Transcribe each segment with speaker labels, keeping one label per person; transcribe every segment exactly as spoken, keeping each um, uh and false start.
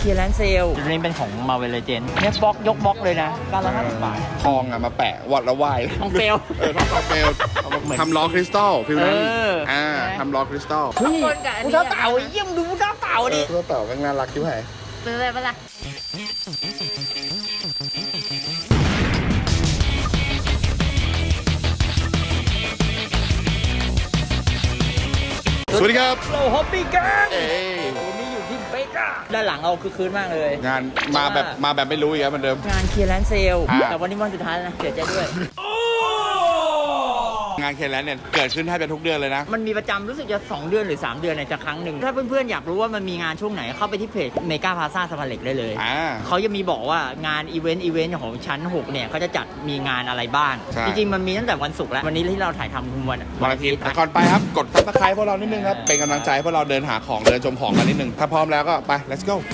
Speaker 1: เคลียร์แลนด์เซลตัวนี้เป็นของ Marvel Legends เนี่ยบล็อกยกบล็อกเลยนะเก้าร้อยห้าสิบบาท
Speaker 2: ทองอ่ะมาแปะวัดแล้วไหว
Speaker 1: ทองเปลว
Speaker 2: เออทองเปลวทำล้อคริสตัลฟิลนั้นอ่าทำล้อคริสตัล
Speaker 1: เฮ้ยกูเท้าเต่าเยี่ยมดูกูเท้าเต่าดิ
Speaker 2: กูเท้าเต่าก็น่ารักชิบหาย
Speaker 1: ซื้อเลยปะล่ะ
Speaker 2: สวัสดีครับ
Speaker 1: เราฮอปปี้กันวันนี้อยู่ที่เบก้าด้านหลังเราคือคืนมากเลย
Speaker 2: งานมาแบบมาแบบไม่รู้อีกแล้วเหมือนเดิม
Speaker 1: งานเคลียร์แลนด์เซลแต่วันนี้วันสุดท้ายแล้วนะเสียใจด้วย
Speaker 2: งานเคลียร์แลนด์เนี่ยเกิดขึ้นแทบจะทุกเดือนเลยนะ
Speaker 1: มันมีประจำรู้สึกจะสองเดือนหรือสามเดือนในจะครั้งหนึ่งถ้าเพื่อนๆอยากรู้ว่ามันมีงานช่วงไหนเข้าไปที่เพจเมกาพลาซ่าสะพานเหล็กได้เลยเขาจะมีบอกว่างานอีเวนต์อีเวนต์ของชั้นหกเนี่ยเขาจะจัดมีงานอะไรบ้างจริงๆมันมีตั้งแต่วันศุกร์แล้ววันนี้ที่เราถ่ายทำคือวัน
Speaker 2: วันอาทิตย์ก่อนไปครับกดซับสไครป์พวกเรานิดนึงครับเป็นกำลังใจพวกเราเดินหาของเดินชมของกันนิดนึงถ้าพร้อมแล้วก็ไป let's go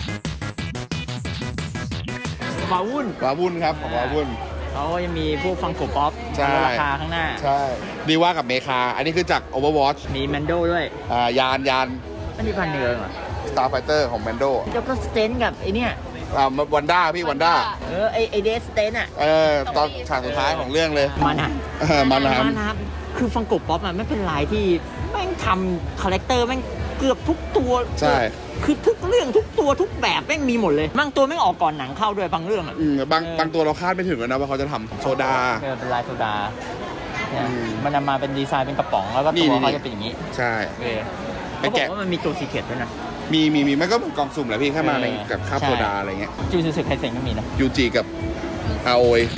Speaker 1: วาวุ่น
Speaker 2: วาวุ่นครับของวาวุ่น
Speaker 1: เขาก็ยังมีพวกฟังโกป๊อปราคาข้างหน้า
Speaker 2: ใช่ดีว่ากับเมคาอันนี้คือจาก Overwatch
Speaker 1: มีแมนโดด้วย
Speaker 2: อ่ายานยาน
Speaker 1: อันนี้พันเนืองเหรอ
Speaker 2: Starfighter ของแมนโด
Speaker 1: แล้วก็สเตนกับไอเนี่ย
Speaker 2: อ่าวันด้าพี่วันด้า
Speaker 1: เออไอไอเดสสเตนอ่ะ
Speaker 2: เออตอนฉากสุดท้ายของเรื่องเลย
Speaker 1: มันอ่ะ
Speaker 2: เออมันนะ
Speaker 1: มันนะคือฟังโกป๊อปอ่ะไม่เป็นลายที่แม่งทำคาแรคเตอร์แม่งเกือบทุกตัว
Speaker 2: ใช่
Speaker 1: คือทุกเรื่องทุกตัวทุกแบบแม่งมีหมดเลยบางตัวแม่งออกก่อนหนังเข้าด้วยบางเรื่องอ่ะ
Speaker 2: บางบางตัวเราคาดไม่ถึงเลยนะว่าเขาจะทำโซดา
Speaker 1: เออเป็นลายโซดาเนี่ยมันมาเป็นดีไซน์เป็นกระป๋องแล้วก็ตัวเขาจะเป็นอย่างนี้
Speaker 2: ใช่
Speaker 1: เออเขาบอกว่ามันมีตัวซีเคร็ตด้วยนะ
Speaker 2: มีมีมีมันก็กล่องสุ่มแหละพี่แค่มาในกับคาบโซดาอะไรเงี้ย
Speaker 1: จูซูสึไคเซ็นก็มีนะ
Speaker 2: ยูจิกับอาโอย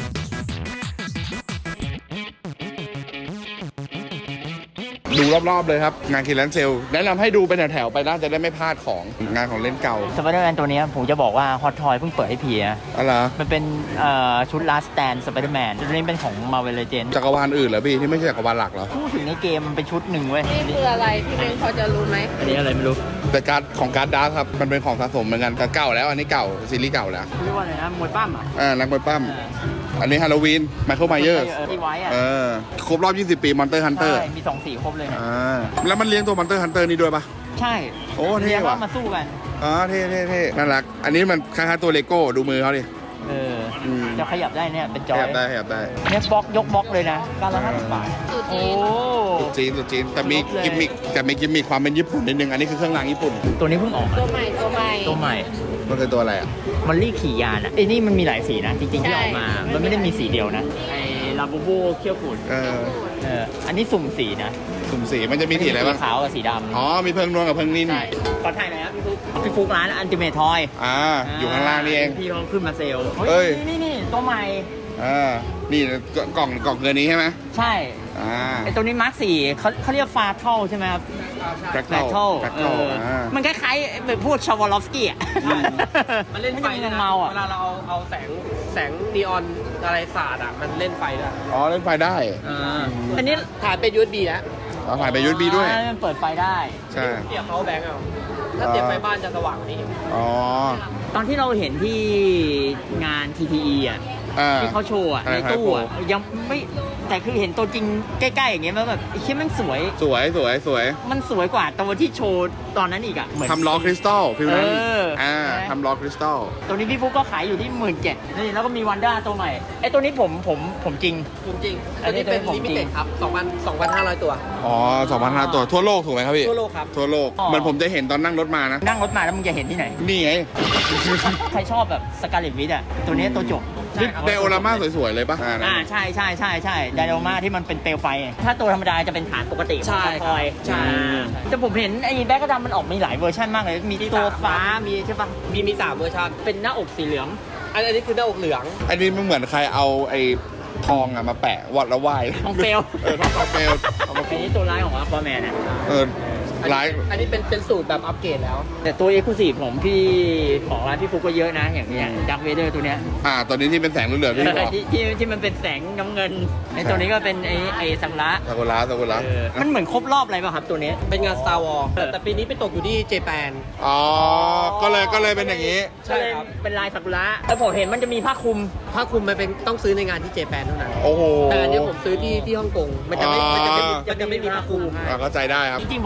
Speaker 2: ดูรอบๆเลยครับงานคิลแลนเซลแนะนำให้ดูเป็นแถวๆไปน่าจะได้ไม่พลาดของงานของเล่นเก่า
Speaker 1: สไปเดอร์แมนตัวนี้ผมจะบอกว่าฮอตทอยเพิ่งเปิดให้พีนะ
Speaker 2: อะไร
Speaker 1: มันเป็นชุดลาสแตนสไปเดอร์แมนตัวนี้เป็นของ Marvel Legends
Speaker 2: จักรวาลอื่นเหรอพี่ที่ไม่ใช่จักรวาลหลักเหรอ
Speaker 1: พูดถึงในเกมมันเป็นชุดหนึ่งเว้ย
Speaker 3: นี่คืออะไรพี่เบนพอจะรู้ไหม
Speaker 1: อันนี้อะไรไม่รู้
Speaker 2: แต่การของการ์ดดาร์ครับมันเป็นของสะสมเหมือนกันแต่เก่าแล้วอันนี้เก่าซีรีส์เก่าแล้ว
Speaker 1: เรียกว่าอะไรนะมวยปั้มอ่ะ
Speaker 2: อ่านักมวยปั้มอันนี้ฮาโลวีนไมเคิลไมเยอร์
Speaker 1: ที่ไว้อ่ะ
Speaker 2: เออครบรอบยี่สิบปีมอนเตอร์ฮันเตอร์
Speaker 1: ใช่มีสองสีครบเลยนะ
Speaker 2: อ่าแล้วมันเลี้ยงตัวมอนเตอร์ฮันเตอร์นี่ด้วยปะ
Speaker 1: ใช่
Speaker 2: โอ้เท่ว่ะ
Speaker 1: มาสู้กัน
Speaker 2: อ๋อเท่เท่เท่น่ารักอันนี้มันคล้ายๆตัวเลโก้ดูมือเขาดิ
Speaker 1: เออจะขยับได้เนี่ยเป็นจอย
Speaker 2: ขยับได้ขยับได้
Speaker 1: เนี่ยบล็อกยกบล็อกเลยนะเก้าร้อยห้าสิบบาท
Speaker 3: โอ้
Speaker 2: สุดจีนสุดจีนแต่มีกิมมิคแต่มีกิมมิคความเป็นญี่ปุ่นนิดนึงอันนี้คือเครื่องรางญี่ปุ่น
Speaker 1: ตัวนี้เพิ่งออก
Speaker 3: ตัวใหม่ตัวใหม่
Speaker 1: ตัวใหม่
Speaker 2: มันคือตัวอะไรอ่ะ
Speaker 1: มันรีขี่ยานอ่ะไอ้นี่มันมีหลายสีนะจริงๆที่ออกมามันไม่ได้มีสีเดียวนะไอ้ลาบูบูเขี้ยวกุ่น
Speaker 2: เออ
Speaker 1: เอออันนี้สุ่มสีนะ
Speaker 2: สุ่มสีมันจะมีสีอะไรบ้าง
Speaker 1: ขาวกับสีดำ
Speaker 2: อ๋อมีเพิ่งนวลกับเพิ่งนิ่ม
Speaker 1: ขอถ่ายหน่อยครับพี่ฟุกพี่ฟุกร้านอันติเมททอย
Speaker 2: อ่าอยู่ข้างล่างนี่เอง
Speaker 1: พี่เขาขึ้นมาเซล
Speaker 2: เฮ้ย
Speaker 1: นี่นี่ตัวใหม่
Speaker 2: อ่านี่กล่องกล่องเงินนี้ใช่ไหม
Speaker 1: ใช่
Speaker 2: อ่า
Speaker 1: ไอตัวนี้มาร์คสี่เขาเขาเรียกฟาเทลใช่ไหมครับ
Speaker 2: แบล็คเทล
Speaker 1: มันคล้ายๆแบบพวกชาวลอฟสกี้อ่ะ
Speaker 3: มันเล่นไฟนะเวลาเราเอาเอาแสงแสงนีออนอะไรสาดอ่ะมันเล่นไฟได้
Speaker 2: อ๋อเล่นไฟได้
Speaker 1: อันนี้
Speaker 3: ถ่ายเป็นยูเอสบีแล้ว
Speaker 2: อ๋อถ่ายเป็นยูเอสบีด้วย
Speaker 1: มันเปิดไฟได้
Speaker 2: ใช่
Speaker 3: เสียบเขาแบงค์เอาถ้าเสียบไฟบ้านจะสว่างนี่
Speaker 2: อ๋อ
Speaker 1: ตอนที่เราเห็นที่งาน ที ที อี อ่ะที่เขาโชว์อ่ะในตู้อ่ะยังไม่แต่คือเห็นตัวจริงใกล้ๆอย่างเงี้ยมันแบบไอ้เชี่ยมันสวย
Speaker 2: สวยสวยสวย
Speaker 1: มันสวยกว่าตัวที่โชว์ตอนนั้นอีกอ่ะ
Speaker 2: ทำล้อคริสตัลฟิลนั้นอ่าทำล้อคริสตัล
Speaker 1: ตัวนี้พี่ฟุ๊กก็ขายอยู่ที่หมื่นเจ็ดนี่แล้วก็มีวันด้าตัวใหม่ไอ้ตัวนี้ผมผมผมจริง
Speaker 3: ผมจริงอันนี้เป็นลิมิเต็ดครับสองพันสองพันห้าร้อยตัว
Speaker 2: อ๋อสองพันห้าร้อยตัวทั่วโลกถูกไหมครับพี่
Speaker 3: ทั่วโลกครับ
Speaker 2: ทั่วโลกเหมือนผมจะเห็นตอนนั่งรถมานะ
Speaker 1: นั่งรถมาแล้วมึงจะเห็นที่ไหน
Speaker 2: นี่ไง
Speaker 1: ใครชอบแบบสกาเลตวิทอ่ะตัวนี้ตัวจบ
Speaker 2: ไดโอรามาสวยๆเลยป่ะ
Speaker 1: อ่าใช่ใช่ใช่ใช่ไดโอรามาที่มันเป็นเปลวไฟถ้าตัวธรรมดาจะเป็นฐานปกติ
Speaker 3: ใช่
Speaker 1: คอยใช่แต่ผมเห็นไอ้แบ็คกระดำมันออกมีหลายเวอร์ชันมากเลยมีตัวฟ้ามีใช่ป่ะ
Speaker 3: มีมีสามเวอร์ชัน
Speaker 1: เป็นหน้าอกสีเหลือง
Speaker 3: อันนี้คือหน้าอกเหลือง
Speaker 2: อันนี้มันเหมือนใครเอาไอ้ทองอะมาแปะวัดแล้วไหว
Speaker 1: ทองเปลว
Speaker 2: เออทองเปลว
Speaker 1: อันนี้ตัวร้ายของอัลฟาแมนอ่ะ
Speaker 2: เออร้าย
Speaker 3: อันนี้เป็นเป็นสูตรแบบอัปเกรดแล้ว
Speaker 1: แต่ตัวเอ็กซ์คลูซีฟผมพี่ของร้านพี่ฟุกก็เยอะนะอย่างอย่างดักเวเดอร์ตัวเนี้ย
Speaker 2: อ่าตัวนี้ที่เป็นแสงเหลืองๆที่บอก
Speaker 1: ที่ที่ที่มันเป็นแสงน้ำเงินไอ้ตัวนี้ก็เป็นไอ้ไอ้ซากุระ
Speaker 2: ซากุระซากุระ
Speaker 1: มันเหมือนครบรอบอะไรป่ะครับตัวนี้
Speaker 3: เป็นงาน Star Wars แต่ปีนี้ไปตกอยู่ที่เจแปน
Speaker 2: อ๋อก็เลยก็เลยเป็นอย่างนี้
Speaker 1: ใช่ครับเป็นลายซากุระแล้วผมเห็นมันจะมีผ้าคลุม
Speaker 3: ผ้าคลุมมันเป็นต้องซื้อในงานที่เจแปนเท่านั้น
Speaker 2: โอ้โห
Speaker 3: แต่อันนี้ผมซื้อที่ที่ฮ่องกงมันจะไม่มันจะไม่มันจะไม่มีผ้าคลุม
Speaker 2: เข้าใจได้ครับ
Speaker 1: จริงๆผมชอบโลกิ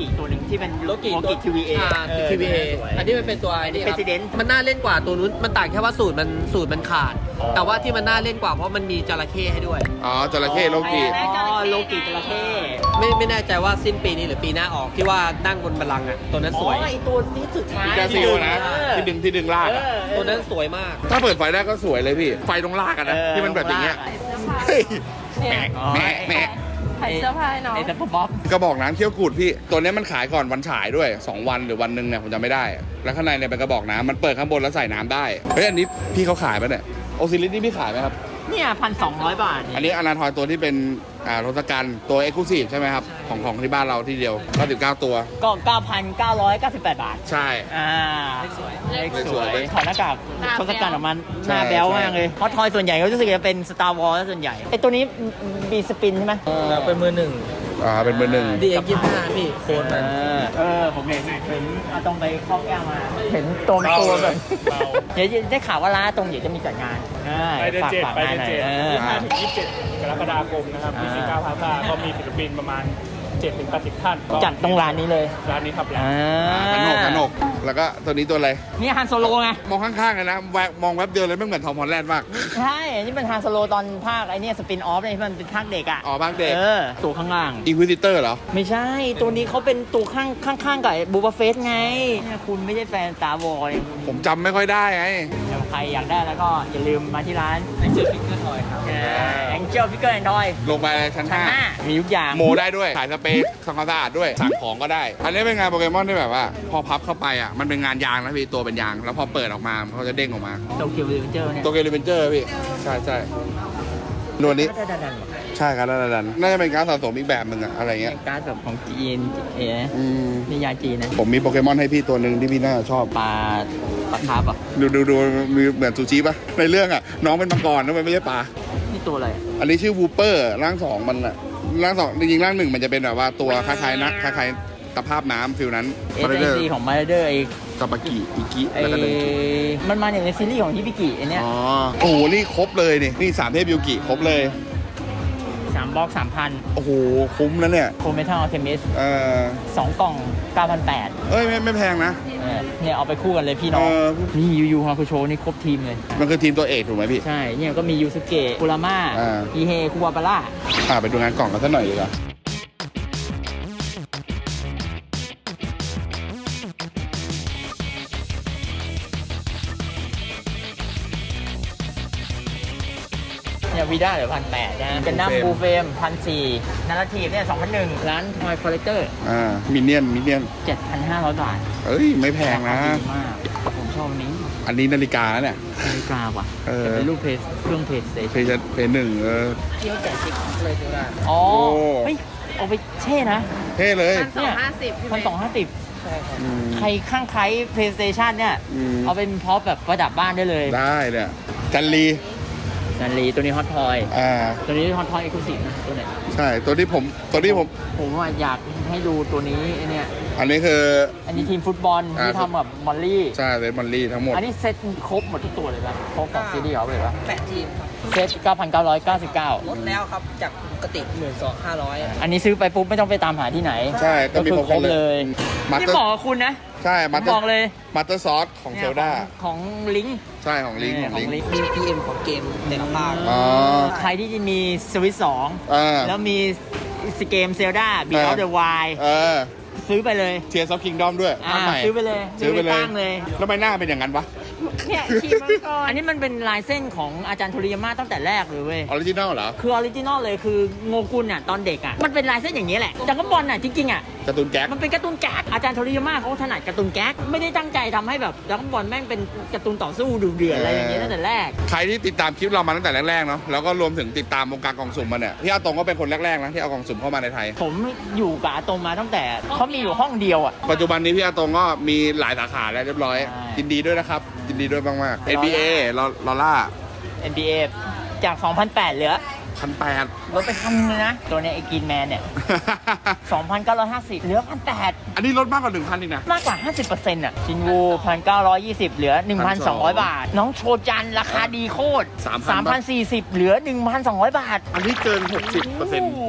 Speaker 1: กิตัวหนึ่งที่เป็น
Speaker 3: โลกิ
Speaker 1: โลกิทีวีเอ
Speaker 3: ทีวีเออันนี้มันเป็นตัวไอ้นี่ครับ
Speaker 1: President
Speaker 3: มันน่าเล่นกว่าตัวนู้นมันต่างแค่ว่าสูตรมันสูตรมันขาด แต่ว่าที่มันน่าเล่นกว่าเพราะมันมีจระเข้ให้ด้วย
Speaker 2: อ๋อจระเข้โลกิ
Speaker 1: อ๋อโลกิจระเข้
Speaker 3: ไม่ไม่แน่ใจว่าสิ้นปีนี้หรือปีหน้าออกที่ว่านั่งบนบัลลังก์อ่ะตัวนั้นสวย
Speaker 1: อ๋อไอตัวที่สุดท้าย
Speaker 2: กาซิลนะ
Speaker 1: เออ
Speaker 2: ที่ดึงที่ดึงลาก
Speaker 1: เอ
Speaker 2: อะ
Speaker 1: อ
Speaker 3: ตัวนั้นสวยมาก
Speaker 2: ถ้าเปิดไฟได้ก็สวยเลยพี่ ไฟตรงลากกันนะ
Speaker 1: เออ
Speaker 2: ที่มันแบบอย่างเงี้ย
Speaker 1: ลากอะ
Speaker 2: เฮ้ย
Speaker 4: เนี่ย
Speaker 2: แหมแหม
Speaker 4: ขายเสื้อผ้าให้น้อง
Speaker 1: ไอซัพเปอร์บ็อก
Speaker 2: กระบอกน้ำเคี่ยวกูดพี่ ตัวเนี้ยมันขายก่อนวันฉายด้วย สอง วันหรือวันหนึ่งเนี่ยผมจำไม่ได้ แล้วข้างในเนี่ยเป็นกระบอกน้ำมันเปิดข้างบนแล้วใส่น้ำได้ เฮ้ยอันนี้พี่เขาขายปะเนี่ยโอซิลิสนี่พี่ขายไหมครับ
Speaker 1: เนี่ยพันสองร้อยบาท
Speaker 2: อันนี้อนาทอยตัวที่เป็นอ่าทศกัณฐ์ตัวเอ็กซ์คลูซีฟใช่ไหมครับ ของของที่บ้านเราที่เดียวเก้าสิบเก้าตัว
Speaker 1: ก็เก้าพันเก้าร้อยเก้าสิบแปดบาท
Speaker 2: ใช่
Speaker 1: อ่า
Speaker 3: เลขสวย
Speaker 1: เลข
Speaker 2: เลข
Speaker 1: ส
Speaker 2: ส
Speaker 1: ว
Speaker 2: วย
Speaker 1: ยถอดหน้ากาก
Speaker 4: หน้า
Speaker 1: ทศกัณฐ์ออกมาห
Speaker 2: ใช่
Speaker 1: น้าแบ๊ว
Speaker 2: ใช่
Speaker 1: มากเลยเพราะทอยส่วนใหญ่เขารู้สึกจะเป็น Star Wars ส่วนใหญ่ไอตัวนี้บีสปินใช่ไหม
Speaker 3: เป็นมือหนึ่ง
Speaker 2: อ่าเป็นเบอร์หนึ่ง
Speaker 3: ดีเอ็กยี่ห้าพี่โค้ด
Speaker 1: เอ
Speaker 3: มัน
Speaker 1: อเออผมเห็นเห็นเอาตรงไปครอบแก้วมา เห็นตัวเป็นตัวแบบเดี๋ยวได้ข่าวว่าร้านตรงเดี๋ยวจะมีจัดงาน
Speaker 5: ไปเดือนเจ็ด
Speaker 1: ฝาก
Speaker 5: ไป
Speaker 1: ฝาก
Speaker 5: เดือน
Speaker 1: งานหน่อย
Speaker 5: เจ็ด
Speaker 1: เออ
Speaker 5: ห้าถึงยี่สิบเจ็ดกรกฎาคมนะครับที่ซิก้าพาซาก็มีศิลปินประมาณเจ็ดถึงแปดสิบท่านก็
Speaker 1: จัดตรงร้านนี้เลย
Speaker 5: ร้านนี้ครับ
Speaker 1: อ่า
Speaker 2: ขนกขนกแล้วก็ตัวนี้ตัวอะไร
Speaker 1: นี่ฮันโซโลไง
Speaker 2: มองข้างๆเลยนะแวะมองแวบเดียวเลยไม่เหมือนทอมฮอลแลนด์มาก
Speaker 1: ใช่ นี่เป็นฮันโซโลตอนภาคไอเนี่ยสปินออฟเนี่ยที่มันเป็นภาคเด็กอ่ะ
Speaker 2: อ๋อภาคเด็ก
Speaker 1: เออ ตัวข้างล่าง
Speaker 2: อินควิซิเตอร์เหรอ
Speaker 1: ไม่ใช่ ตัวนี้เขาเป็นตัวข้างข้างๆกับบูบาเฟสไงเนี่ยคุณไม่ใช่แฟนตาร์วอร์
Speaker 2: ผมจำไม่ค่อยได้ไง
Speaker 1: ใครอยากได้แล้วก็อย่าลืมมาที่ร้าน
Speaker 3: ไอเจอฟิกเกอร์ทอยครับ
Speaker 1: แองเจิลฟิกเกอร์แอนด์ทอย
Speaker 2: ลงไปชั้น
Speaker 1: ชั้น
Speaker 2: ห้า
Speaker 1: ห้ามีทุกอย่าง
Speaker 2: โมได้ด้วยขายสเปรย์ทำความสะอาดด้วย สั่งของก็ได้ อันนี้เป็นงานโปเกมอนที่แบบว่า พอพับเข้าไปอ่ะ มันเป็นงานยางนะพี่ ตัวเป็นยาง แล้วพอเปิดออกมาเขาจะเด้งออกมา
Speaker 1: โตเกียวรีเวนเจอร์เนี่ย
Speaker 2: ตัวเกลิเวนเจอร์พี่ ใช่ใช่นวลนี้
Speaker 1: ก็จะดันๆว่ะ
Speaker 2: ใช่ครับดันดันน่าจะเป็นการสะสมอีกแบบหนึ่งอะอะไรเงี้ย
Speaker 1: เป็นการ์ดแบบของจีนเอ๋
Speaker 2: อืม
Speaker 1: นิยายจีนนะ
Speaker 2: ผมมีโปเกมอนให้พี่ตัวหนึ่งที่พี่น่าชอบ
Speaker 1: ปลาปลาคาร์ฟอ่ะ
Speaker 2: ดูดูดูมีเหมือนซูชิปะในเรื่องอ่ะ น้องเป็นมังกรนะมันไม่ใช่ปลา
Speaker 1: นี่ตัวอะไรอะ
Speaker 2: อันนี้ชื่อวูเปอร์ร่างสองมันอะร่างสองจริงๆร่างหนึ่งมันจะเป็นแบบว่าตัวคล้ายๆนะคล้ายๆตะภาพน้ำฟิลนั้น
Speaker 1: เอสไอซีของมาเดอร์ไอ
Speaker 2: ตะปากิอิกิ
Speaker 1: ไอ
Speaker 2: แล้วก็เป็นกิ
Speaker 1: มันมาอย่างในซีรีส์ของฮิบิกิไอเนี้ย
Speaker 2: อ๋อโอ้โหนี่ครบเลยนี่นี่สามเทพยูกิครบเลย
Speaker 1: สามบล็อกสามพัน
Speaker 2: โอ้โหคุ้มแล้วเนี่ย
Speaker 1: โคเมทัลอัลเทมิส
Speaker 2: เออ
Speaker 1: สองกล่องเก้าพันแปด
Speaker 2: เอ้ยไม่ไม่แพงนะ
Speaker 1: เนี่ยเอาไปคู่กันเลยพี่น้อง
Speaker 2: เออ
Speaker 1: นี่ยูยูฮาคุโชนี่ครบทีมเลย
Speaker 2: มันคือทีมตัวเอกถูกไหมพี่
Speaker 1: ใช่ เนี่ยก็มียูสเกะคุราม่า
Speaker 2: อ่า
Speaker 1: อีเฮคุวาบาร่า
Speaker 2: อ่าไปดูงานกล่องกันสักหน่อยดีกว่า
Speaker 1: เนี่ยวีด้าเหลือพันแปดนะเป็นน้ำบูเฟมพันสี่นาราทีฟเนี่ยสองพันหนึ่งร้านทอยคอลเลกเตอร์
Speaker 2: อ่ามินเนี่ยนมินเนี่ยน
Speaker 1: เจ็ดพันห้าร้อยบาท
Speaker 2: เอ้ยไม่แพงนะ
Speaker 1: ราคาดีมาก ผมชอบอันนี้
Speaker 2: อันนี้นาฬิกาแล้วเนี่ย
Speaker 1: นาฬิกาว่ะ
Speaker 2: เออ
Speaker 1: แต่เป็นรูปเพจเครื่องเพจสเต
Speaker 2: เพ
Speaker 1: ชัน
Speaker 2: ย์เพย์หนึ่งเออ
Speaker 3: เที่ยวแจกติ๊กเลยตัวละ
Speaker 1: อ๋อ
Speaker 2: โอ้
Speaker 1: เฮ้ยเอาไปเช่นะ
Speaker 2: เท่เลย
Speaker 4: พันสองห้าสิบพี่
Speaker 1: พัน
Speaker 4: เม
Speaker 1: สอง
Speaker 4: ย์
Speaker 1: ห้าสิบ
Speaker 3: ใช่ครับ
Speaker 2: อืม
Speaker 1: ใครข้างใคร PlayStation เนี่ย
Speaker 2: อืม
Speaker 1: เอาเป็นพร็อพแบบประดับบ้านได้เลย
Speaker 2: ได้เนี่ยจันลี
Speaker 1: นันลีตัวนี้ฮอตทอย
Speaker 2: อ่า
Speaker 1: ตัวนี้ฮอตทอยเอ็กซ์คลูซีฟนะตัวเนี้ย
Speaker 2: ใช่ตัวที่ผมตัวที่ผม
Speaker 1: ผมว่าอยากให้ดูตัวนี้ไอ้เนี่ย
Speaker 2: อันนี้คือ
Speaker 1: อันนี้ทีมฟุตบอล
Speaker 2: อ่า
Speaker 1: ที่ทำกับมอลลี่
Speaker 2: ใช่เลนมอนลี่ทั้งหมด
Speaker 1: อันนี้เซ็ตครบหมดทุกตัวเลยปะครบกับซีรีส์เขาเลยปะ
Speaker 3: แปดทีมครับ
Speaker 1: เซ็ตเก้าพันเก้าร้อยเก้าสิบเก้า
Speaker 3: ลดแล้วครับจากปกติหมื่นสองห้าร้อย
Speaker 1: อันนี้ซื้อไปปุ๊บไม่ต้องไปตามหาที่ไหน
Speaker 2: ใช่ก็มี
Speaker 1: คือ
Speaker 2: ครบเลย มาส
Speaker 1: นี่
Speaker 2: เตอร์
Speaker 1: บอกกับคุณนะ
Speaker 2: ใช่มาส
Speaker 1: ผ
Speaker 2: เตอ
Speaker 1: บอก
Speaker 2: ร์
Speaker 1: เลย
Speaker 2: มาสเตอร์ซอสของเซลดา
Speaker 1: ของลิงก์
Speaker 2: ใช่ของลิงก์ของลิงก์
Speaker 1: ลิงก์
Speaker 3: มี พี เอ็ม ของเกมแต่ละภาค
Speaker 2: อ๋อ
Speaker 1: ใครที่จะมีสวิตสอง
Speaker 2: เออ
Speaker 1: แล้วมีสเกมเซลดาบีออฟเดอะไว
Speaker 2: เออ
Speaker 1: ซื้อไปเลย
Speaker 2: เทียร์ซอฟคิงดอมด้วย
Speaker 1: อ่า
Speaker 2: อันใหม่
Speaker 1: ซื้อไปเลย
Speaker 2: ซื้อไปเลย
Speaker 1: ตั้งเลย
Speaker 2: แล้วทำไมหน้าเป็นอย่างนั้นวะ
Speaker 4: เนี่ยขี่มังกร
Speaker 1: อันนี้มันเป็นลายเส้นของอาจารย์โทริยาม่าตั้งแต่แรกเลยเว้ย
Speaker 2: ออริจินัลเหรอ
Speaker 1: คือออริจินอลเลยคือโงกุลอ่ะตอนเด็กอ่ะมันเป็นลายเส้นอย่างนี้แหละจักรบอลอ่ะจริงๆอ่ะ
Speaker 2: การ์ตูนแก๊ก
Speaker 1: มันเป็นการ์ตูนแก๊กอาจารย์โทริยาม่าเขาถนัดการ์ตูนแก๊กไม่ได้ตั้งใจทำให้แบบจักรบอลแม่งเป็นการ์ตูนต่อสู้ดุเดือดอะไรอย่างเงี้ยตั้งแต่แรก
Speaker 2: ใครที่ติดตามคลิปเรามาตั้งแต่แรกๆเนาะแล้วก็รวมถึงติดตามวงการกล่องสุ่มมาเนี่ยพี่อาตงก็เป็นคนแรกๆนะที่เอากล่องสุ่มเข้ามาในไทย
Speaker 1: ผมอยู่กับอาตมมาตั้งแต่เขามีอยู่ห้องเดียวอ่ะ
Speaker 2: ปัจจุบันนี้พี่อาตงก็มีหลายสาขาแล้วเรียบร้อย
Speaker 1: ใช่
Speaker 2: ยินดีด้วยนะครับยินดีด้วยมากๆ เอ็น บี เอ ลอลอล่า
Speaker 1: เอ็น บี เอ จาก สองพันแปด เหลือ
Speaker 2: พันแปด
Speaker 1: ลดไปพันนึงนะตัวเนี้ยไอ้กินแมนเนี่ย สองพันเก้าร้อยห้าสิบ เหลือพันแปด
Speaker 2: อันนี้ลดมากกว่าหนึ่งพันอีกนะ
Speaker 1: มากกว่า ห้าสิบเปอร์เซ็นต์ อ่ะ ชินวูพันเก้าร้อยยี่สิบเหลือ หนึ่งพันสองร้อย บาท น้องโชจันราคาดีโคตร
Speaker 2: สามพัน
Speaker 1: สามพันสี่สิบ เหลือ หนึ่งพันสองร้อย บาท
Speaker 2: อันนี้เกินหกสิบเปอร์เซ็นต์
Speaker 1: โโห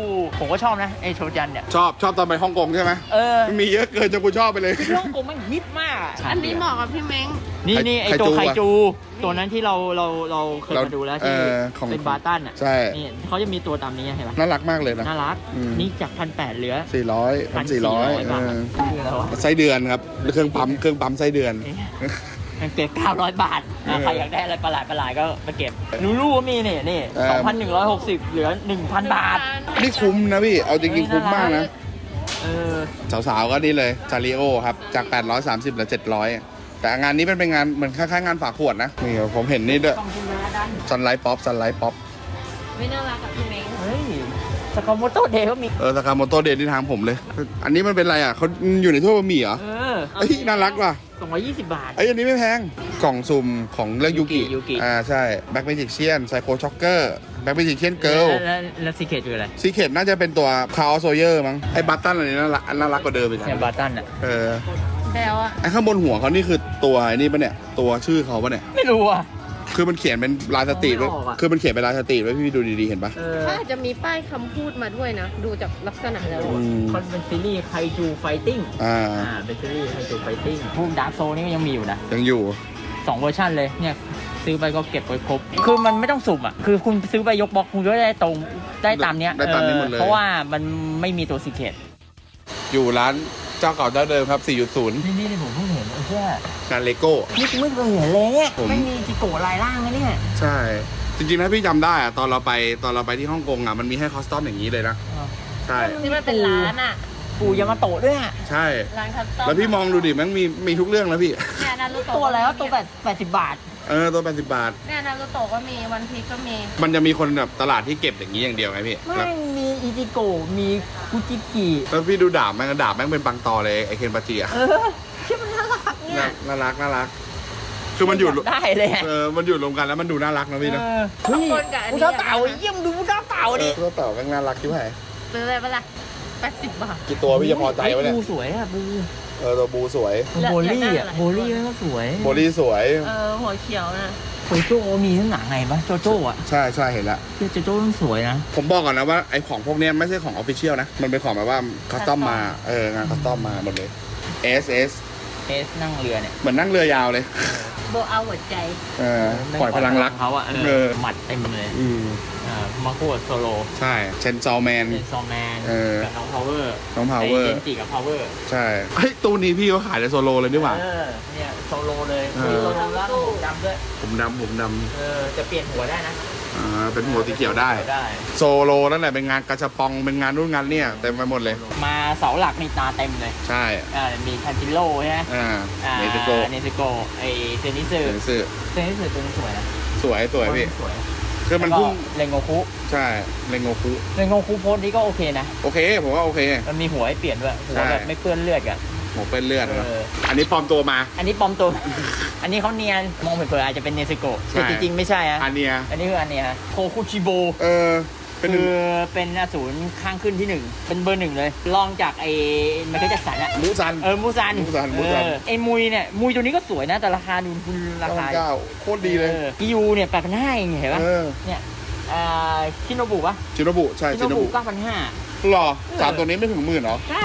Speaker 1: ผมก็ชอบนะไอโชจันเนี่ย
Speaker 2: ชอบชอบตอนไปฮ่องกงใช่ไหม
Speaker 1: เออ
Speaker 2: มันมีเยอะเกินจนกูชอบไปเลย
Speaker 1: ที่ฮ่องกงมันฮิตมากะ
Speaker 4: อันนี้เหมาะกับพี่เม้ง
Speaker 1: นี่นี่ไอ
Speaker 2: ไค
Speaker 1: ตัว
Speaker 2: จู
Speaker 1: ไค
Speaker 2: อะ
Speaker 1: จู ตัวนั้นที่เราเราเราเคย
Speaker 2: เรา
Speaker 1: มาดูแล้วที่
Speaker 2: เออของ
Speaker 1: เป็นบาตันอ่ะ
Speaker 2: ใช่
Speaker 1: นี่เขาจะมีตัวตามนี้เห็นปะ
Speaker 2: น่ารักมากเลยนะ
Speaker 1: น่ารัก
Speaker 2: อืม
Speaker 1: นี่จากพันแปดเหลือ
Speaker 2: สี่ร้อยพันสี่ร้อย
Speaker 1: บาทคืออะไรวะ
Speaker 2: ไส้เดือนครับเครื่องปั๊มเครื่องปั๊มไส้เดือน
Speaker 1: มันเก็บเก้าร้อยบาทอ่ะ
Speaker 2: เออ
Speaker 1: ใครอยากได้อะไรประหลาดประหลาดก็มาเก็บลูลูก็มีนี่นี่
Speaker 2: เออ
Speaker 1: สองพันหนึ่งร้อยหกสิบเหลือหนึ่งพันบาท
Speaker 2: นี่คุ้มนะพี่เอาจริงๆคุ้มมากนะ
Speaker 1: เออ
Speaker 2: สาวๆก็นี่เลยจาริโอครับจากแปดร้อยสามสิบเหลือเจ็ดร้อยแต่งานนี้เป็นเป็นงานเหมือนคล้ายๆงานฝาขวดนะนี่ผมเห็นนี่ด้วย
Speaker 1: กล่องชิมระดัน
Speaker 2: ซันไลท์ป๊อปซันไลท์ป๊อป
Speaker 4: ไม่น่ารักกับพี่เม้ง
Speaker 1: เฮ้ยสกาโมโตเดย์ก็มี
Speaker 2: เออสากาโมโตเดนที่ทางผมเลย อันนี้มันเป็นอะไรอ่ะเขาอยู่ในถ้วยบะหมี่เหรอ
Speaker 1: เออ
Speaker 2: เอ้ยน่ารักว่ะ
Speaker 1: สองร้อยยี่สิบบาท
Speaker 2: เอ้ยอันนี้ไม่แพงกล่องซุ่มของเรื่องยูกิ
Speaker 1: ยูกิ
Speaker 2: อ่าใช่แบ็คเมจิกเชียนไซโคช็อกเกอร์แบ็คเมจิกเชียนเกิล
Speaker 1: แล้วแล้วซีเคทคืออะไร
Speaker 2: ซีเคทน่าจะเป็นตัวคาร์โซเยอร์มั้งไอ้บัตตันอันนี้น่ารักน่ารักกว่าเดิมอีก
Speaker 1: เนี่ย
Speaker 2: อะ
Speaker 1: บาตันอ่ะ
Speaker 2: เออ
Speaker 4: แบลอะ
Speaker 2: ไอ้ข้างบนหัวเขานี่คือตัวไอ้นี่ปะเนี่ยตัวชื่อเขาปะเนี่ย
Speaker 1: ไม่รู้อ่ะ
Speaker 2: คือมันเขียนเป็นลายสตรีทไว้
Speaker 1: ไม่ออกอะ
Speaker 2: คือมันเขียนเป็นลายสตรีทไว้พี่ดูดีๆเห็นปะ
Speaker 1: เออ
Speaker 4: ถ้าอาจจะมีป้ายคำพูดมาด้วยนะ ดูจากลักษณะแล้ว
Speaker 2: อื
Speaker 4: อะ
Speaker 2: ม
Speaker 1: มันเป็นซีรีส์ไคจูไฟติ้ง
Speaker 2: อ่า
Speaker 1: อ่าเป็นซีรีส์ไคจูไฟติ้งพวกดาร์กโซนี่ก็ยังมีอยู่นะ
Speaker 2: ยังอยู่
Speaker 1: สองเวอร์ชันเลยเนี่ยซื้อไปก็เก็บไว้ครบ คือมันไม่ต้องสุ่มอ่ะ คือคุณซื้อไปยกบล็อกคุณก็ได้ตรงได้ตามเนี้ย
Speaker 2: ได้ตามนี้หมดเลย
Speaker 1: ออเพราะว่ามันไม่มีตัวซีเคท
Speaker 2: อยู่ร้านเจ้าเก่าเจ้าเดิมครับ สี่จุดศูนย์
Speaker 1: นี่นี่ผมเพิ่งเห็นไอ้เชี่ย
Speaker 2: งานเลโก้
Speaker 1: นี่กูไม่เคยเห็นเลยเนี่ย
Speaker 2: ผม
Speaker 1: ไม่มีจิโกะลายล่างนะเนี่ย
Speaker 2: ใช่ จริงๆถ้าพี่จำได้อะตอนเราไปตอนเราไปที่ฮ่องกงอะมันมีให้คอสตอมอย่างนี้เลยนะ
Speaker 1: อ๋อ
Speaker 2: ใช่
Speaker 4: ที่มันเป็นร้านอะ
Speaker 1: ปูยามาโตะด้วยอะ
Speaker 2: ใช่
Speaker 4: ร้านคัสตอม
Speaker 2: แล้วพี่มองดูดิมันมีมีทุกเรื่องแล้วพี่
Speaker 4: เนี่ยนารูโตะ
Speaker 1: ตัวอะไรวะตัวแปดแปดสิบบาท
Speaker 2: เออตัวแปดสิบบาท
Speaker 4: เนี่ยนารูโตะก็มีวันพีก็มี
Speaker 2: มันจะมีคนแบบตลาดที่เก็บอย่างนี้อย่างเดียวไงพี่
Speaker 1: ไม่งมีอิจิโกะมีกุจิกิ
Speaker 2: แล้วพี่ดูดาบแม่งดาบแม่งเป็นปังตอเลยไอเคนปาจิอะ
Speaker 1: เออที่มันน่ารักเนี่ย
Speaker 2: น่ารักน่ารัก คือมันอยู่
Speaker 1: ากได้เลยอะ
Speaker 2: เออมันอยู่รวมกันแล้วมันดูน่ารักนะพี่นะ
Speaker 1: เออเฮ้ย
Speaker 4: คนกับอัน
Speaker 1: กู
Speaker 4: นี้
Speaker 1: เท้าเต่าเยี่ยมดูกูเท้าเต่า
Speaker 2: เอ
Speaker 1: ดิ
Speaker 2: อตัวเต่าแม่งน่ารักที่ไหน
Speaker 4: ซื้อเลยปะล่ะแปดสิบบาท
Speaker 2: กี่ตัวพี่จะพอใจวะเนี่ย
Speaker 1: บูสวยอะบู
Speaker 2: เออตัวบูสวย
Speaker 4: แล้ว
Speaker 1: โบลี่
Speaker 4: อยากได้
Speaker 1: อะ
Speaker 4: อะไร
Speaker 1: โบลี่มันก็สวย
Speaker 2: โบลี่สวย
Speaker 4: เออหัวเขียวนะ
Speaker 1: โจโจ้มีทั้งหนังไงปะโจโจ้อะ
Speaker 2: ใช่ใช่เห็นละ
Speaker 1: โจโจ้มันสวยนะ
Speaker 2: ผมบอกก่อนนะว่าไอของพวกเนี้ยไม่ใช่ของออฟฟิเชียลนะ มันเป็นของแบบว่าคัสตอมมา เอองานคัสตอมมาหมดเลย เอส เอส
Speaker 1: เอสนั่งเรือเนี่ย
Speaker 2: เหมือนนั่งเรือยาวเลย
Speaker 4: โบเอาหัวใจ
Speaker 2: เออปล่อยพลังรัก
Speaker 1: เขาอะเอ
Speaker 2: เอ
Speaker 1: อ
Speaker 2: อ
Speaker 1: หมัดเต็มเลย
Speaker 2: อืม
Speaker 1: เออมาโคดโซโล
Speaker 2: ใช่ เชนซอลแมน
Speaker 1: เป็นซอมแมน
Speaker 2: เออ
Speaker 1: กับน้องพาวเวอร์
Speaker 2: น้อง Power
Speaker 1: เจนจิกับพาวเวอร์
Speaker 2: ใช่ เฮ้ย ตู้นี้พี่เขาขายในโซโลเลยนี่หว่า
Speaker 1: เออเนี่ยโซโลเลย
Speaker 2: เออ
Speaker 1: มีโซโลแล้วก็ผมดำด้วย
Speaker 2: ผมดำผมด
Speaker 1: เออจะเปลี่ยนหัวได้นะ
Speaker 2: ำอ่าเป็นหัวสีเขียวได้
Speaker 1: ได้
Speaker 2: โซโลนั่นแหละเป็นงานกระชับปอง เป็นงานรุ่นงานเนี่ยเต็มไปหมดเลย
Speaker 1: มาเสาหลักนี่ตาเต็มเลย
Speaker 2: ใช่
Speaker 1: อ่ามีทันจิโร่ใช่ไหม
Speaker 2: อ่า
Speaker 1: อ่า
Speaker 2: เนติโก
Speaker 1: เนติโกไอเซนิสึ
Speaker 2: เสือสื่อ
Speaker 1: เซนิสึตัวนี้สวยนะ
Speaker 2: สวยสวยพี่
Speaker 1: สวย
Speaker 2: คือมัน
Speaker 1: แล้วก็
Speaker 2: พุ่ง
Speaker 1: เรนโงคุ
Speaker 2: ใช่เรงโงคุ
Speaker 1: เรนโงคุโพสต์นี้ก็โอเคนะ
Speaker 2: โอเค ผมว่าโอเค
Speaker 1: มันมีหัวให้เปลี่ยนด้วยหัว
Speaker 2: ใช่
Speaker 1: แบบไม่เปื้อนเลือดกัน
Speaker 2: หมวกเป็นเลือดนะ
Speaker 1: เออ
Speaker 2: อันนี้ปลอมตัวมา
Speaker 1: อันนี้ปลอมตัว อันนี้เขาเนียนมองเผินๆอาจจะเป็นเนซึโกะ
Speaker 2: ใช่
Speaker 1: แต่จริงๆไม่ใช่อะ
Speaker 2: อันเนี้ย
Speaker 1: อันนี้คืออันเนี้ยฮะโคคุชิโบ
Speaker 2: เออ เป็นหนึ่
Speaker 1: คื
Speaker 2: ง
Speaker 1: อเป็นอสูรข้างขึ้นที่หนึ่งเป็นเบอร์หนึ่งเลยรองจากไอ้ไมเคิลแจ็คสันอะ
Speaker 2: มูซัน
Speaker 1: เออมูซัน
Speaker 2: มูซันมูซัน
Speaker 1: เออไอ้มุยเนี่ยมุยตัวนี้ก็สวยนะแต่ราคาดูคุณราคา
Speaker 2: เก้าโคตรดีเลย
Speaker 1: ออกิยูเนี่ยแปดพันห้าเองเห็นปะ
Speaker 2: เออ
Speaker 1: เนี่ยอ่าชิโนบุปะ
Speaker 2: ชิโนบุใช่
Speaker 1: ชิ
Speaker 2: ชิ
Speaker 1: โน
Speaker 2: โน
Speaker 1: บุ
Speaker 2: บุ
Speaker 1: เก้าพันห้า
Speaker 2: หรอสามตัวนี้ไม่ถึงหมื่นเหรอ
Speaker 1: ใช่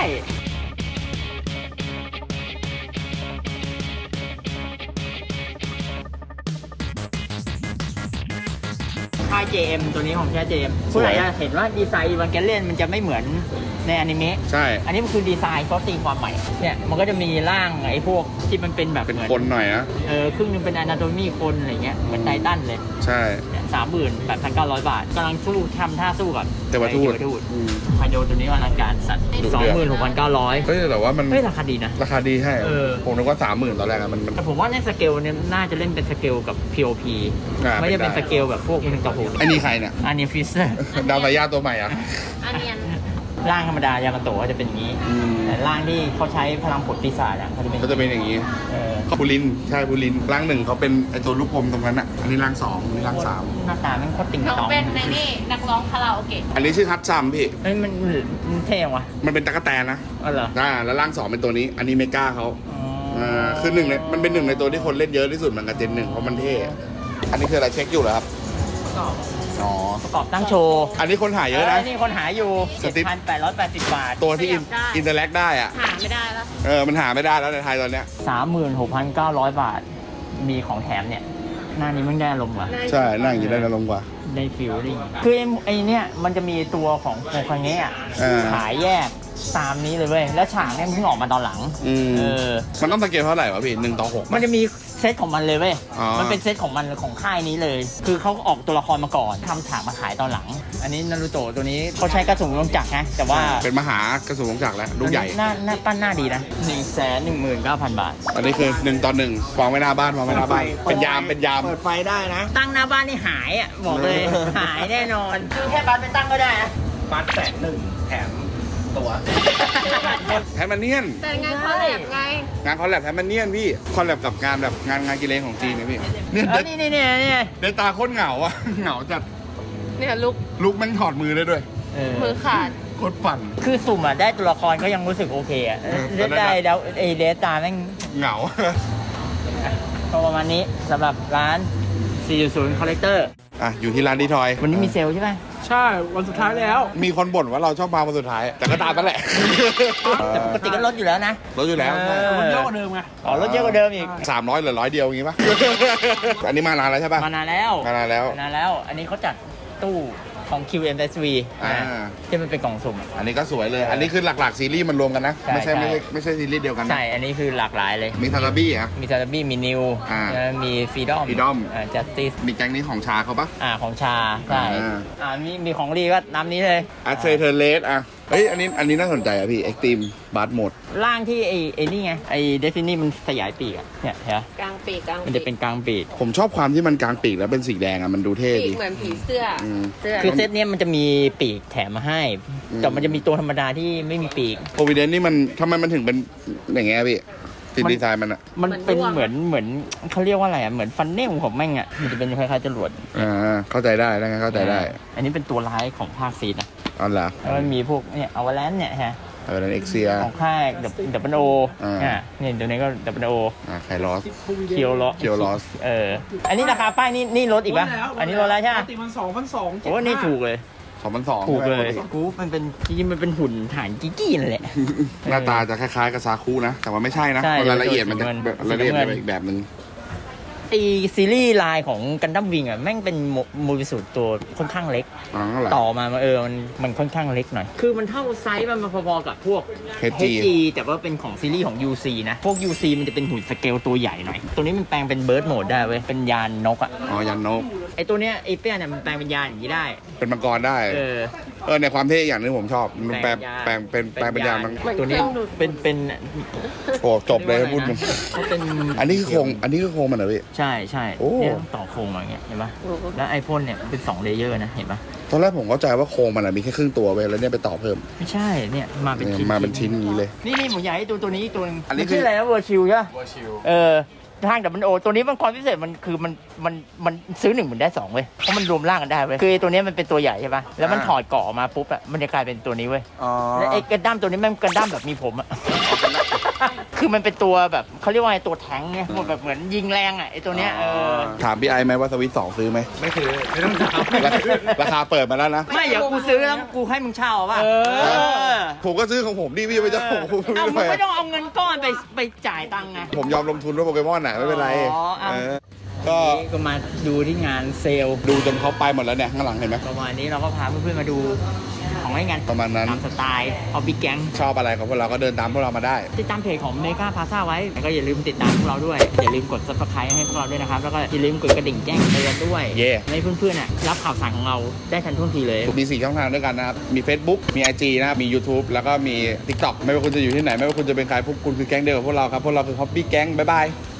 Speaker 1: ค่าย เจ เอ็ม ตัวนี้ของแค่ เจ เอ็ม ผู้ไหนจะเห็นว่าดีไซน์วันแกเล่นมันจะไม่เหมือนในอนิเมะ
Speaker 2: ใช่
Speaker 1: อันนี้มันคือดีไซน์เขาตีความใหม่ เนี่ยมันก็จะมีร่างไอ้พวกที่มันเป็นแบบ
Speaker 2: เป็น
Speaker 1: หมือ
Speaker 2: คนหน่อยนะ
Speaker 1: เออครึ่งหนึงเป็นอนาโตมีคนอะไรเงี้ยเหมือนไททันเลย
Speaker 2: ใช่
Speaker 1: สามหมื่นแปดพันเก้าร้อยบาทกำลังสู้ทำท่าสู้กับ
Speaker 2: เทวทูต
Speaker 1: ไอ้เทวทูต
Speaker 2: อืม
Speaker 1: ไฮโดตัวนี้อลังการสัตว์
Speaker 2: ดุ
Speaker 1: สอง
Speaker 2: เดือด
Speaker 1: หมื่นหกพันเก้าร้อย
Speaker 2: เฮ้ยแต่ว่ามัน
Speaker 1: เฮ้ยราคาดีนะ
Speaker 2: ราคาดีใช่
Speaker 1: เออ
Speaker 2: ผมนึกว่าสามหมื่นตอนแรกอะมันมัน
Speaker 1: แต่ผมว่าในสเกลเนี่ยน่าจะเล่นเป็นสเกลกับ พี โอ พี
Speaker 2: อ่า
Speaker 1: ไม่ได้เป็น
Speaker 2: เป็น
Speaker 1: ส
Speaker 2: ได้
Speaker 1: เกลแบบพวกหนึ่งต่อหก
Speaker 2: ไอ้นี่ใครเนี่ย
Speaker 1: อันนี้ฟิสเซอร์
Speaker 2: ดาวสายญาติตัวใหม่อ่ะ
Speaker 4: อันเนียน
Speaker 1: ร่างธรรมดายามาโตะก็จะเป็นอย่างนี้
Speaker 2: อืม
Speaker 1: แต่ร่างที่เขาใช้พลังผลปีศาจอ่ะเขาจะเป็น
Speaker 2: ก็จะเป็นอย่างนี้
Speaker 1: เออ
Speaker 2: บูลินใช่บูลินร่างหนึ่งเขาเป็นไอตัวลูกกลมตรงนั้นอ่ะ อันนี้ร่างสองอันนี้ร่างสาม
Speaker 1: หน้าตาแม่งโคตรติ่ง
Speaker 4: น้อง
Speaker 1: ตอง
Speaker 4: เป็นในนี่นักร้องคาราโอเกะ
Speaker 2: อันนี้ชื่อฮัตซัมพี่
Speaker 1: เฮ้ยมันมันเท่ยังวะ
Speaker 2: มันเป็นตะกั่วแตนนะ
Speaker 1: อ๋อเหรอ
Speaker 2: อ่าแล้วร่างสองเป็นตัวนี้ อันนี้เมกาเขา
Speaker 1: อ๋อ
Speaker 2: อ่าคือหนึ่งในมันเป็นหนึ่งในตัวที่คนเล่นเยอะที่สุดเหมือนกับเจนหนึ่งเพราะมันเท่ อันนี้คืออะไรเช็คอยู่เหรอครับ
Speaker 1: ก็
Speaker 2: อ๋อ
Speaker 1: ประกอบตั้งโชว์
Speaker 2: อันนี้คนหาเยอะนะ
Speaker 1: นี่คนหาอยู่
Speaker 2: สติ๊ก
Speaker 1: เจ็ดพันแปดร้อยแปดสิบบาท
Speaker 2: ตัวที่อิน
Speaker 4: ได้
Speaker 2: อินเตอร์แลกได้อะ
Speaker 4: หาไม่ได้แล้ว
Speaker 2: เออมันหาไม่ได้แล้วในไทยตอนเนี้ย
Speaker 1: สามหมื่นหกพันเก้าร้อยบาท มีของแถมเนี่ย หน้านี้มันได้ลงว่ะ
Speaker 2: ใช่นั่งอย่างนี้ได้ลงกว่า
Speaker 1: ได้ฟิลลิ่งคือไอ้ไอ้เนี่ยมันจะมีตัวของโคคังเงะ
Speaker 2: เออ
Speaker 1: ขายแยกตามนี้เลยเว้ย แล้วฉากเนี่ยมันเพิ่งออกมาตอนหลัง
Speaker 2: อืม
Speaker 1: เออ
Speaker 2: มันต้องสเกลเท่าไหร่วะพี่หนึ่งต่อหก
Speaker 1: มันจะมีเซตของมันเลยเว้ย
Speaker 2: อ๋อ
Speaker 1: มันเป็นเซตของมันของค่ายนี้เลย คือเขาออกตัวละครมาก่อนทำฉากมาขายตอนหลัง อันนี้นารูโตะตัวนี้เขาใช้กระสุนลงจักรนะ แต่ว่า
Speaker 2: เป็นมหากระสุนของจักรแล้วลูกใหญ่
Speaker 1: หน้าหน้าปั้นหน้าดีนะหนึ่งแสนหนึ่งหมื่นเก้าพันบาท
Speaker 2: อันนี้คือหนึ่งต่อหนึ่งวางไว้หน้าบ้านวางไว้หน้าบ้านเป็นยามเป็นยาม
Speaker 3: เปิดไฟได้นะ
Speaker 1: ตั้งหน้าบ้านนี่หายอ่ะ บอกเลย หายแน่นอน คือแค่บ้านไปตั้งก็ได้นะ
Speaker 3: บัตรแสนหนึ่งแถมตัว
Speaker 2: แทมเนียน
Speaker 4: แต่งานคอลแลบไง
Speaker 2: งานคอลแลบแทมเนียนพี่คอลแลบกับงานแบบงานงานกีฬาของจีนเนี่ยพี่เนี่ย
Speaker 1: เออนี่นี่นี่นี่
Speaker 2: เดนตาโคตรเหงาอะ เหงาจัด
Speaker 4: เนี่ยลุก
Speaker 2: ลุกแมันถอดมือได้ด้วย
Speaker 1: เออ
Speaker 4: มือขาด
Speaker 2: โคตรปั่น
Speaker 1: คือสุ่มอ่ะได้ตัวละครก็ยังรู้สึกโอเคอ่ะ
Speaker 2: เออ
Speaker 1: เล่นได้แล้วไอเดสตาแม่ง
Speaker 2: เหงา
Speaker 1: ก็ประมาณนี้สำหรับร้าน สี่จุดศูนย์ Collector
Speaker 2: อ่ะอยู่ที่ร้านดีทอย
Speaker 1: วันนี้มีเซลล์ใช่ไหม
Speaker 5: ใช่ วันสุดท้ายแล้ว
Speaker 2: มีคนบ่นว่าเราชอบมาวันสุดท้าย แต่ก็ตามนั่นแหละ
Speaker 1: แต่ปกติก็ลดอยู่แล้วนะ
Speaker 2: รถอยู่แล้ว
Speaker 1: เออ
Speaker 5: มันเยอะกว่าเดิมไง
Speaker 1: อ๋อลดเยอะกว่าเดิมอีก
Speaker 2: สามร้อยเหลือร้อยเดียวอย่างงี้ปะ อันนี้มานานแล้วใช่ปะ
Speaker 1: มานานแล้ว
Speaker 2: มานานแล้ว
Speaker 1: มานานแล้ว อันนี้เขาจัดตู้ของ คิว เอ็ม เอส วี
Speaker 2: อ่า
Speaker 1: นะที่มันเป็นกล่องสุ่ม
Speaker 2: อันนี้ก็สวยเลย อันนี้คือหลักๆซีรีส์มันรวมกันนะ
Speaker 1: ใช่
Speaker 2: ไม่ใช่
Speaker 1: ใช่
Speaker 2: ไม่ใช่ไม่ใช่ซีรีส์เดียวกันนะ
Speaker 1: ใช่ อันนี้คือหลากหลายเลย
Speaker 2: มีทาราบี้อ่ะ
Speaker 1: มีซาร์บี้มีนิว
Speaker 2: อ่า
Speaker 1: มีฟรีดอม
Speaker 2: Freedom
Speaker 1: จัสติส
Speaker 2: มีแก๊งนี้ของชาเขาปะ
Speaker 1: อ่าของชา ใช่
Speaker 2: อ่า
Speaker 1: อ่ามีมีของรีก็น้ำนี้เลย
Speaker 2: อัตเซเทเลสอ่ะ เฮ้ย อันนี้อันนี้น่าสนใจอ่ะพี่ เอ็กซ์ตรีมบาร์โหมด
Speaker 1: ร่างที่ไอ้ไอ้นี่ไง ไอ้เดฟินี่มันขยายปีกอะเนี่ยเห็นปะ
Speaker 4: กลางปีกกลาง
Speaker 1: มัน
Speaker 4: ปี
Speaker 1: จะ
Speaker 4: ก
Speaker 1: เป็นกลางปีก
Speaker 2: ผมชอบความที่มันกลางปีกแล้วเป็นสีแดงอ่ะ มันดูเท่
Speaker 4: ปี
Speaker 2: ดี
Speaker 4: กเหมือนผีเสื้ออ
Speaker 2: ม
Speaker 4: เสื้อ
Speaker 1: คือเซตเนี้ยมันจะมีปีกแถมมาให้
Speaker 2: อืม
Speaker 1: แต่มันจะมีตัวธรรมดาที่ไม่มีปีก
Speaker 2: โอวิเดนนี่มันทำไมมันถึงเป็นอย่างเงี้ยพี่ติดดีไซน์มันอ่ะ
Speaker 1: มันเป็นเหมือนเหมือนเขาเรียกว่าอะไรอ่ะ เหมือนฟันเนลของแม่งอ่ะ มันจะเป็นคล้ายๆจรวด
Speaker 2: อ่า เข้าใจได้แล้วไงเข้าใจได้
Speaker 1: อันนี้เป็นตัวร้ายของภาคซีดนะ
Speaker 2: เอ๋อเหรอ
Speaker 1: แล้วมันมีพวกเนี่ยอวาแลนเนี่ยฮะ
Speaker 2: เออนั่นเอ็กเซีย
Speaker 1: ของค่ายดับดับเบิลโอ
Speaker 2: อ่า
Speaker 1: อ่ะเนี่ยตัวนี้ก็ดับเบิลโอ
Speaker 2: อ่าไคลอส
Speaker 1: เคียวลอ
Speaker 2: เคียวลอส
Speaker 1: เออ อันนี้ราคาป้ายนี่นี่ลดอีกปะอันนี้ลดแล้วใช่ไหม
Speaker 5: ปกติมันสองพันสอง
Speaker 1: โอ้นี่ถูกเลย
Speaker 2: สองพันสอง
Speaker 1: ถูกเลยกูมันเป็นจริงๆมันเป็นหุ่นฐานกิ๊กี้นั่นแหละ
Speaker 2: หน้าตาจะคล้ายๆกับซาคุนะ แต่ว่าไม่ใช่นะ
Speaker 1: ใช่
Speaker 2: รายละเอียดมันจะ
Speaker 1: สีน้ำเงิน
Speaker 2: รายละเอียดมันเป็นอีกแบบนึง
Speaker 1: ไอซีรีส์ไลน์ของกันดั้มวิงอ่ะแม่งเป็นโมบิสูตตัวค่อนข้างเล็ก
Speaker 2: อ๋อเหรอ
Speaker 1: ต่อมาเออมันมันค่อนข้างเล็กหน่อย คือมันเท่าไซส์มันมาพอๆกับพวก
Speaker 2: เฮจี
Speaker 1: เอช จี แต่ว่าเป็นของซีรีส์ของ ยู ซี นะ พวก ยู ซี มันจะเป็นหุ่นสเกลตัวใหญ่หน่อย ตัวนี้มันแปลงเป็นเบิร์ดโหมดได้เว้ย เป็นยานนกอ่ะ
Speaker 2: อ๋อยันนก
Speaker 1: ไอตัวเนี้ยไอเปี้ยเนี่ยมันแปลงเป็นยานอย่างนี้ได้
Speaker 2: เป็นมังกรได้
Speaker 1: เออ
Speaker 2: เออในความเท่อย่างหนึงผมชอบ มันแปลงแปลงเป็นแปลงเป็นยานมัน
Speaker 1: ตัวนี้เป็นเป็น
Speaker 2: โอ้จบเลยพูดมัน
Speaker 1: เขาเป็น
Speaker 2: อันนี้คือโครงอันนี้คือโครงมันเหรอพี่
Speaker 1: ใช่ใช่
Speaker 2: โอ้
Speaker 1: เนี่ยต่อโครงมาอย่างเงี้ยเห็นปะแล้วไอพ่นเนี่ยเป็นสองเลเยอร์นะเห็นปะ
Speaker 2: ตอนแรกผมเข้าใจว่าโครงมันอะมีแค่ครึ่งตัวไปแล้วเนี่ยไปต่อเพิ่ม
Speaker 1: ไม่ใช่เนี่ยมาเป็นชิ้น
Speaker 2: มาเป็นชิ้นอย่างนี้เลย
Speaker 1: นี่นี่ผมอยากให้ดูตัวนี้อีกตัวหนึง
Speaker 2: อันนี้
Speaker 1: มั
Speaker 2: คือ
Speaker 1: ชื่ออะไรนะเวอร์ชิวใช่ปะเออทางดับมันโอตัวนี้มันความพิเศษมันคือมันมันมันซื้อหนึ่งเหมือนได้สองเว้ยเพราะมันรวมร่างกันได้เว้ยคือไอ้ตัวนี้มันเป็นตัวใหญ่ใช่ปะแล้วมันถอดเกาะออกมาปุ๊บอะมันจะกลายเป็นตัวนี้เว้ย
Speaker 2: อ๋อ
Speaker 1: แล้วไอ้กระด้ามตัวนี้แม่งกระด้ามแบบมีผมอะ คือมันเป็นตัวแบบเขาเรียกว่าไงตัวแทงเนี่ยแบบเหมือนยิงแรงอะไอ้ตัวเนี้ยเออ
Speaker 2: ถามพี่ไอไหมว่าสวิตสองซื้อไหม
Speaker 3: ไม่ถือไม่ต้องถาม
Speaker 2: ราคาราคาเปิดมาแล้วนะ
Speaker 1: ไม่เดี๋ยวกูซื้อแล้วกูให้มึงเช่าเอาป่ะ
Speaker 5: เออ
Speaker 2: ผมก็ซื้อของผมดิพี่ไปจะผมผม
Speaker 1: เอามึง
Speaker 2: ไม่
Speaker 1: ไม่ต้องเอาเงินก้อนไปไปจ่ายตังค์ไง
Speaker 2: ผมยอมลงทุนด้วยโปเกมอนน่ะไม่เป็นไร
Speaker 1: อ๋อเอา
Speaker 2: เออก็
Speaker 1: นี่ก็มาดูที่งานเซลล์
Speaker 2: ดูจนเขาไปหมดแล้วเนี่ยข้างหลังเห็นไหม
Speaker 1: ประมาณนี้เราก็พาเพื่อนๆมาดูของไอ้งาน
Speaker 2: ประมาณนั้น
Speaker 1: ตามสไตล์เอาบิ๊กแก๊ง
Speaker 2: ชอบอะไรของพวกเราก็เดินตามพวกเรามาได้
Speaker 1: ติดตามเพจของเมกาพาซ่าไว้แล้วก็อย่าลืมติดตามพวกเราด้วย อย่าลืมกด ซับสไครบ์ ให้พวกเราด้วยนะครับ แล้วก็อย่าลืมกดกระดิ่งแจ้งเตือนด้วย
Speaker 2: เย่
Speaker 1: ให้เพื่อนๆน่ะรับข่าวสารของเราได้ทันท่วงทีเลย
Speaker 2: มีสี่ช่องทางด้วยกันนะครับ มี Facebook มี ไอ จี นะครับ มี YouTube แล้วก็มี TikTok ไม่ว่าคุณจะอยู่ที่ไหน ไม่ว่าคุณจะเป็นใครพวกคุณคือแก๊งเดียวกับพวกเราครับ พวกเราคือ Hobby Gang บ๊ายบาย